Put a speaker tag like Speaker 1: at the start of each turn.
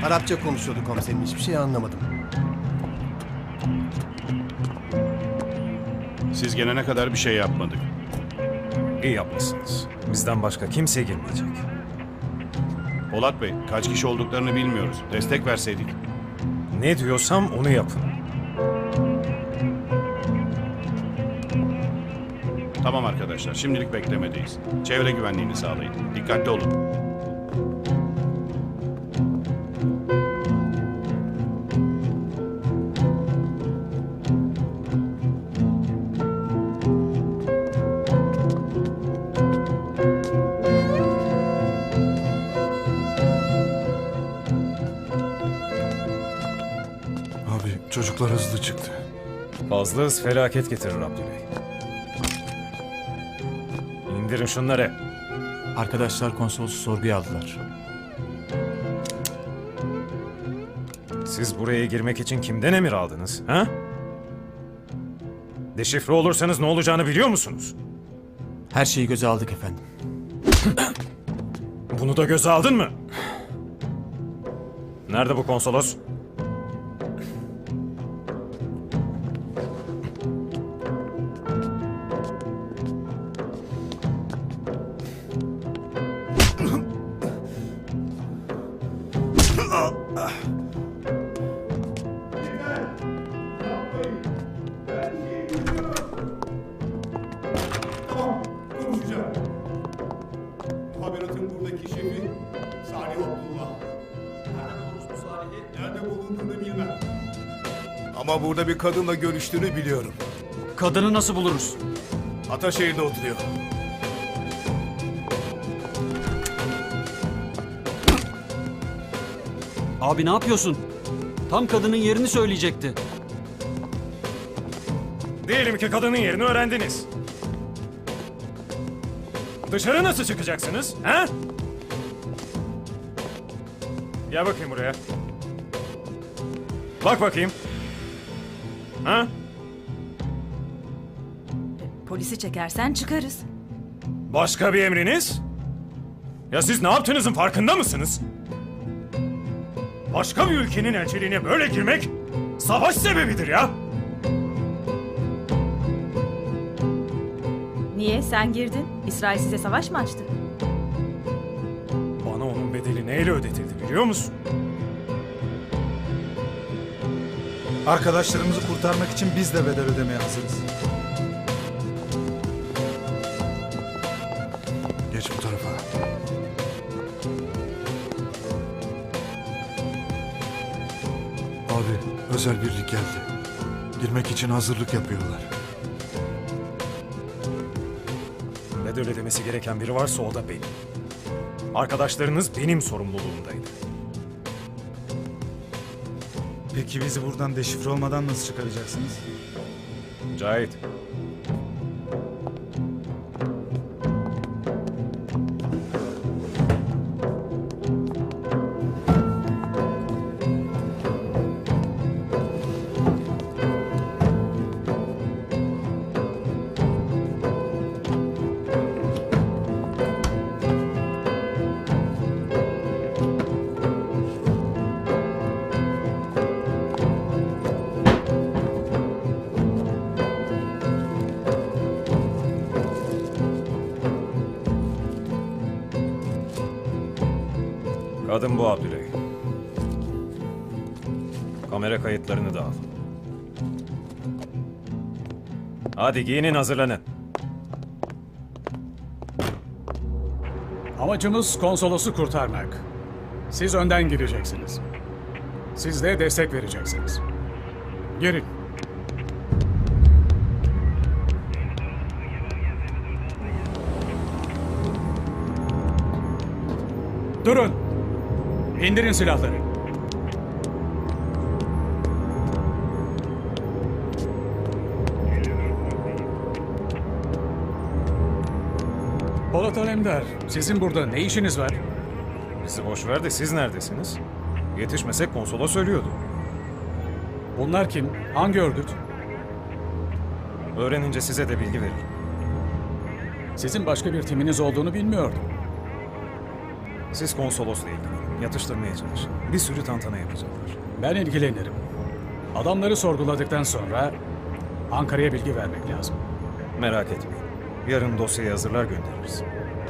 Speaker 1: Arapça konuşuyordu komiserim. Hiçbir şey anlamadım.
Speaker 2: Siz gelene kadar bir şey yapmadık.
Speaker 3: İyi yapmışsınız. Bizden başka kimse girmeyecek.
Speaker 2: Polat Bey, kaç kişi olduklarını bilmiyoruz. Destek verseydik.
Speaker 3: Ne diyorsam onu yapın.
Speaker 2: Tamam arkadaşlar, şimdilik beklemedeyiz. Çevre güvenliğini sağlayın. Dikkatli olun.
Speaker 4: Abi çocuklar hızlı çıktı.
Speaker 3: Fazla hız felaket getirir Abdüley. İndirin şunları.
Speaker 5: Arkadaşlar konsolosu sorguya aldılar.
Speaker 3: Siz buraya girmek için kimden emir aldınız? Ha? Deşifre olursanız ne olacağını biliyor musunuz?
Speaker 5: Her şeyi göze aldık efendim.
Speaker 3: Bunu da göze aldın mı? Nerede bu konsolos?
Speaker 6: Konuşacağım. Haberatın buradaki şefi Salih Abdullah. Nerede bulmuş bu Salih'i? Nerede bulunduğunu bilmem. Ama burada bir kadınla görüştüğünü biliyorum.
Speaker 7: Kadını nasıl buluruz?
Speaker 6: Ataşehir'de oturuyor.
Speaker 7: Abi ne yapıyorsun? Tam kadının yerini söyleyecekti.
Speaker 3: Diyelim ki kadının yerini öğrendiniz. Dışarı nasıl çıkacaksınız? Ha? Gel bakayım buraya. Bak bakayım. Ha?
Speaker 8: Polisi çekersen çıkarız.
Speaker 3: Başka bir emriniz? Ya siz ne yaptığınızın farkında mısınız? Başka bir ülkenin elçiliğine böyle girmek savaş sebebidir ya.
Speaker 8: Niye? Sen girdin. İsrail size savaş mı açtı?
Speaker 3: Bana onun bedeli neyle ödetildi biliyor musun?
Speaker 4: Arkadaşlarımızı kurtarmak için biz de bedel ödemeye hazırız. Geç bu tarafa. Abi özel birlik geldi. Girmek için hazırlık yapıyorlar.
Speaker 3: Bedel ödemesi gereken biri varsa o da benim. Arkadaşlarınız benim sorumluluğumdaydı.
Speaker 4: Peki bizi buradan deşifre olmadan nasıl çıkaracaksınız?
Speaker 3: Cahit. Kadın bu Abdüley. Kamera kayıtlarını da al. Hadi giyinin, hazırlanın.
Speaker 9: Amacımız konsolosu kurtarmak. Siz önden gireceksiniz. Siz de destek vereceksiniz. Girin. Durun. İndirin silahları. Polat Alemdar, sizin burada ne işiniz var?
Speaker 3: Bizi boş ver de siz neredesiniz? Yetişmesek konsolos söylüyordu.
Speaker 9: Bunlar kim? Hangi örgüt?
Speaker 3: Öğrenince size de bilgi veririm.
Speaker 9: Sizin başka bir timiniz olduğunu bilmiyordum.
Speaker 3: Siz konsolosla ilgilenin. Yatıştırmaya çalışın. Bir sürü tantana yapacaklar.
Speaker 9: Ben ilgilenirim. Adamları sorguladıktan sonra Ankara'ya bilgi vermek lazım.
Speaker 3: Merak etmeyin. Yarın dosyayı hazırlar göndeririz.